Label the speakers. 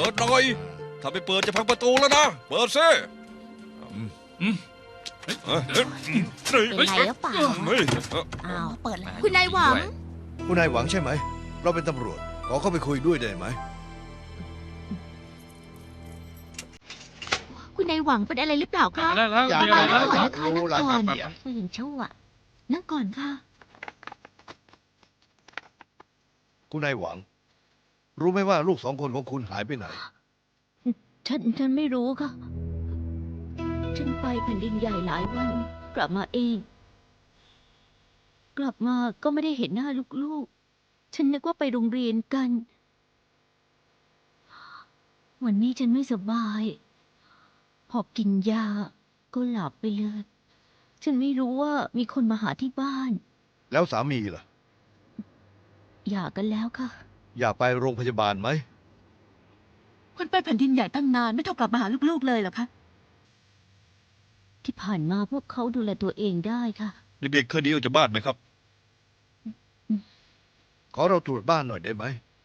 Speaker 1: ดหน่อยถ้าไม่เปิดจะพังประตูแล้วนะเปิดซิ
Speaker 2: เป็นไรหรือเปล่า
Speaker 1: เฮ้ย
Speaker 2: อ้าวเปิดแล้ว
Speaker 3: คุณนายหวัง
Speaker 4: คุณนายหวังใช่ไหม เราเป็นตำรวจ ขอเข้าไปคุยด้วยได้ไหม
Speaker 3: คุณนายหวังเป็นอะไรหรือเปล่าคะ
Speaker 5: ได้แล้ว
Speaker 4: อย่า
Speaker 5: มีอะไร
Speaker 4: ไป
Speaker 5: แล้ว
Speaker 3: นั่งก่อนนะคะนั่งก่อน
Speaker 2: ไม่เห็นชั่ว
Speaker 3: นั่งก่อนค่ะ
Speaker 4: คุณนายหวัง รู้ไหมว่าลูก2 คนของคุณหายไปไหน
Speaker 3: ฉันไม่รู้ค่ะ ฉันไปแผ่นดินใหญ่หลายวัน กลับมาเอง กลับมาก็ไม่ได้เห็นหน้าลูกๆ ฉันนึกว่าไปโรงเรียนกัน วันนี้ฉันไม่สบาย พอกินยาก็หลับไปเลย ฉันไม่รู้ว่ามีคนมาหาที่บ้าน
Speaker 4: แล้วสามีล่ะ
Speaker 3: หย่ากันแล้วค่ะ
Speaker 4: อยากไปโรงพยาบาลไหม
Speaker 6: คุณไปแผ่นดินใหญ่ตั้งนานไม่โทรกลับมาหาลูกๆเลยเหรอคะ
Speaker 3: ที่ผ่านมาพวกเขาดูแลตัวเองได้ค่ะ
Speaker 1: เด็กๆเคยหนีออกจากบ้านไหมครับ
Speaker 4: ขอเราตรวจบ้านหน่อยได้ไหม